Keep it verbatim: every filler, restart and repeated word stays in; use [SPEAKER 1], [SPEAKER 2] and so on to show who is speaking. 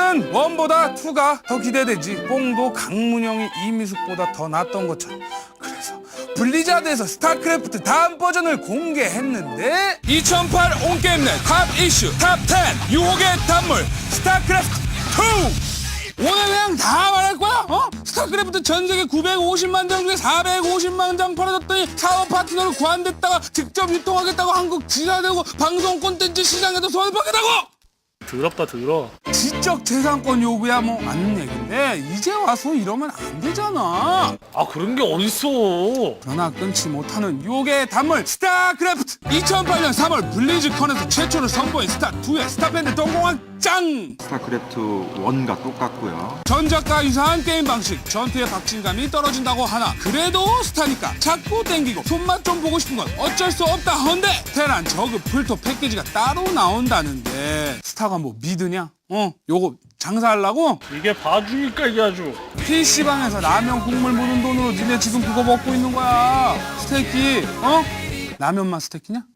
[SPEAKER 1] 나는 원보다 투가 더 기대되지. 뽕도 강문영이 이미숙보다 더 낫던 것처럼. 그래서 블리자드에서 스타크래프트 다음 버전을 공개했는데 이천팔 온게임넷 탑 이슈 탑 텐 유혹의 단물 스타크래프트 투. 오늘 그냥 다 말할 거야? 어? 스타크래프트 전 세계 구백오십만 장 중에 사백오십만 장 팔아줬더니 사업 파트너를 구한댔다가 직접 유통하겠다고 한국 지사되고 방송 콘텐츠 시장에도 손을 뻗겠다고!
[SPEAKER 2] 더럽다 더러.
[SPEAKER 1] 지적 재산권 요구야 뭐 맞는 얘긴데 이제 와서 이러면 안 되잖아.
[SPEAKER 2] 아 그런 게 어딨어.
[SPEAKER 1] 변화 끊지 못하는 유혹의 단물 스타크래프트. 이천팔 년 삼월 블리즈컨에서 최초로 선보인 스타투의 스타밴드 동공황 짱!
[SPEAKER 3] 스타크래프트 원과 똑같고요.
[SPEAKER 1] 전작과 유사한 게임 방식, 전투의 박진감이 떨어진다고 하나 그래도 스타니까 자꾸 땡기고 손맛 좀 보고 싶은 건 어쩔 수 없다 헌데 테란 저그 풀토 패키지가 따로 나온다는데 스타가 뭐 믿으냐? 어? 요거 장사하려고?
[SPEAKER 2] 이게 봐주니까 이게 아주.
[SPEAKER 1] 피씨방에서 라면 국물 묻은 돈으로 니네 지금 그거 먹고 있는 거야. 스테이키, 어? 라면만 스테이키냐?